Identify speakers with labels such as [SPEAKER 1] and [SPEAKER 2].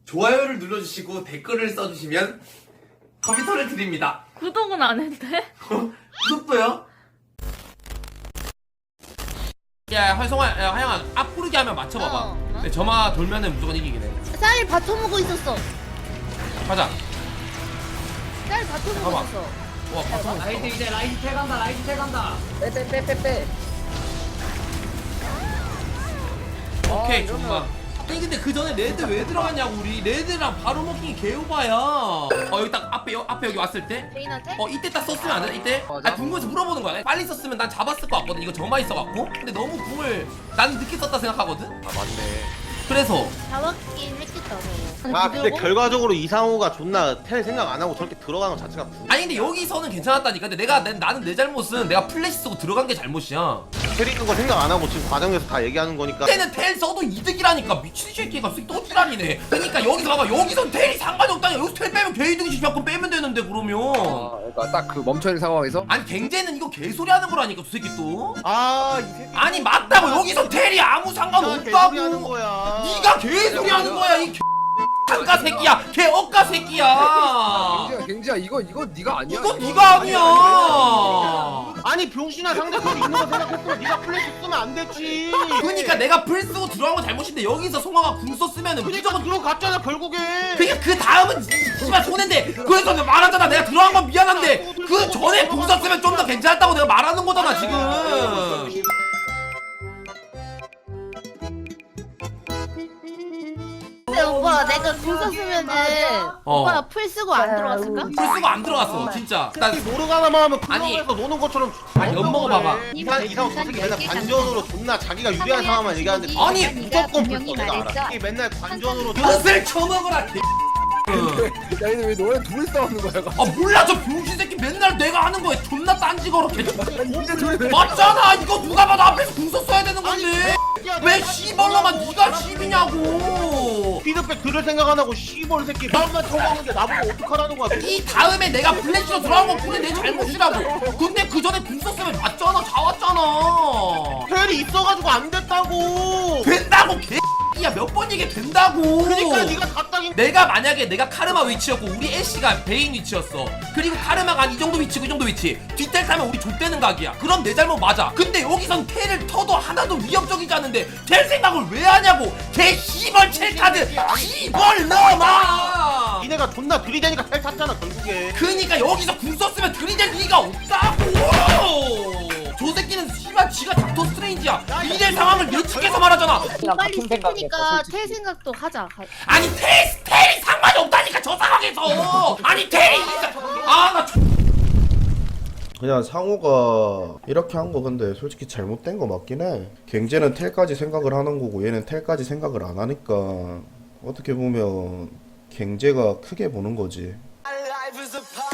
[SPEAKER 1] 좋아요를 눌러주시고 댓글을 써주시면 컴퓨터를 드립니다.
[SPEAKER 2] 구독은 안 했대?
[SPEAKER 1] 구독도요?
[SPEAKER 3] 야 활성화 야 하영아 앞구르기 하면 맞춰봐봐.
[SPEAKER 2] 어.
[SPEAKER 3] 근데 점화 돌면은 무조건 이기긴 해.
[SPEAKER 4] 쌀 바쳐먹고 있었어.
[SPEAKER 3] 가자.
[SPEAKER 4] 쌀 바쳐먹고
[SPEAKER 3] 잠깐만.
[SPEAKER 4] 있었어.
[SPEAKER 3] 와 바텀
[SPEAKER 5] 라이트 이제 라이트 태간다 라이트 태간다
[SPEAKER 6] 빼빼빼빼빼.
[SPEAKER 3] 오케이 정말. 아니 근데 그 전에 레드 왜 들어갔냐고. 우리 레드랑 바로 먹기 개오바야. 여기 딱 앞에 여기 왔을 때
[SPEAKER 4] 베인한테?
[SPEAKER 3] 이때 딱 썼으면 안 돼? 이때?
[SPEAKER 6] 맞아.
[SPEAKER 3] 아 궁금해서 물어보는 거야. 빨리 썼으면 난 잡았을 것 같거든. 이거 점화 있어갖고. 근데 너무 궁을 난 늦게 썼다 생각하거든.
[SPEAKER 6] 아 맞네.
[SPEAKER 3] 그래서
[SPEAKER 4] 잡았긴 했겠다 너.
[SPEAKER 6] 아 근데 결과적으로 이상호가 존나 텔 생각 안 하고 저렇게 들어가는 것 자체가
[SPEAKER 3] 아니 근데 여기서는 괜찮았다니까. 근데 나는 내 잘못은 내가 플래시 쓰고 들어간 게 잘못이야.
[SPEAKER 6] 때리는 거 생각 안 하고 지금 과정에서 다 얘기하는 거니까.
[SPEAKER 3] 그때는 텔 써도 이득이라니까. 미친 새끼가 또 지랄이네. 그러니까 여기서 봐봐. 여기선 텔이 상관이 없다니. 여기서 텔 빼면 개이득이지. 몇건 빼면 되는데 그러면.
[SPEAKER 7] 그러니까 딱 그 멈춰있는 상황에서
[SPEAKER 3] 아니 갱제는 이거 개소리 하는 거라니까 저 새끼 또.
[SPEAKER 6] 아 이 새끼.
[SPEAKER 3] 아니 맞다고. 여기서 텔이 아무 상관
[SPEAKER 6] 개소리 하는
[SPEAKER 3] 없다고.
[SPEAKER 6] 거야.
[SPEAKER 3] 네가 개소리 하는 거야 이 개가 새끼야. 개 억가 새끼야.
[SPEAKER 7] 갱지야 이거 네가 아니야.
[SPEAKER 3] 이건 네가 아니야.
[SPEAKER 6] 아니 병신아 상대편 있는 거 생각했으면 네가 플래시 쓰면 안 되지.
[SPEAKER 3] 그러니까 내가 풀 쓰고 들어간 건 잘못인데 여기서 송화가 궁 썼으면은
[SPEAKER 6] 그러니까
[SPEAKER 3] 무조건
[SPEAKER 6] 들어갔잖아 결국에.
[SPEAKER 3] 그러니까 그 다음은 씨발 손해인데 그래서 내가 말하잖아. 내가 들어간 건 미안한데 그 전에 궁 썼으면 좀 더 괜찮았다고 내가 말하는 거잖아 지금.
[SPEAKER 4] 근데 오빠 내가 궁 썼으면은 오빠가 풀 쓰고 안 들어왔을까?
[SPEAKER 3] 풀 쓰고 안 들어갔어 진짜. 난
[SPEAKER 6] 모르가나만 하면
[SPEAKER 3] 아니.
[SPEAKER 6] 클럽에서 노는 것처럼.
[SPEAKER 3] 아니, 엿 먹어봐봐.
[SPEAKER 6] 이상 저 새끼 맨날 관전으로 존나 자기가 유리한 상황만 얘기하는데
[SPEAKER 3] 아니,
[SPEAKER 6] 무조건 불써 내가 알아. 이게 맨날 관전으로
[SPEAKER 3] 엿을 쳐먹어라 개.
[SPEAKER 7] 야 근데 왜 너네 둘이 싸우는 거야?
[SPEAKER 3] 아 몰라 저 병신 새끼 맨날 내가 하는 거에 존나 딴지거려 개.
[SPEAKER 7] 이제 둘이 왜?
[SPEAKER 3] 맞잖아. 이거 누가 봐도 앞에서 궁 썼어야 되는 건데 왜 씨발로만 네가 씨비냐고.
[SPEAKER 6] 피드백 들을 생각 안 하고 씨벌 새끼 나만 쳐먹는데 나보고 어떡하라는 거야.
[SPEAKER 3] 이 다음에 내가 플래시로 들어간 건 그게 내 잘못이라고. 근데 그 전에 궁 썼으면 맞잖아. 잡았잖아.
[SPEAKER 6] 텔이 있어가지고 안 됐다고.
[SPEAKER 3] 된다고 개야. 몇 번 얘기 된다고.
[SPEAKER 6] 그러니까 네가 답답인.
[SPEAKER 3] 내가 만약에 내가 카르마 위치였고 우리 애쉬가 베인 위치였어. 그리고 카르마가 한 이 정도 위치고 이 정도 위치. 뒷텔 타면 우리 족되는 각이야. 그럼 내 잘못 맞아. 근데 여기선 텔을 터도 하나도 위협적이지 않은데 텔 생각을 왜 하냐고. 개 씨벌 첼카드 씨벌 넘어.
[SPEAKER 6] 니네가 존나 들이대니까 텔 탔잖아 결국에.
[SPEAKER 3] 그니까 여기서 궁 썼으면 들이댈 리가 없다고. 저 새끼는 씨발 지가 닥터 스트레인지야. 이럴 상황을 예측해서 말하잖아.
[SPEAKER 4] 빨리 싶으니까 텔 생각도 하자.
[SPEAKER 3] 아니 텔이 상관이 없다니까 저 상황에서. 아니 텔이 아나
[SPEAKER 8] 그냥 상호가 이렇게 한 거 근데 솔직히 잘못된 거 맞긴 해. 갱제는 텔까지 생각을 하는 거고 얘는 텔까지 생각을 안 하니까 어떻게 보면 갱제가 크게 보는 거지.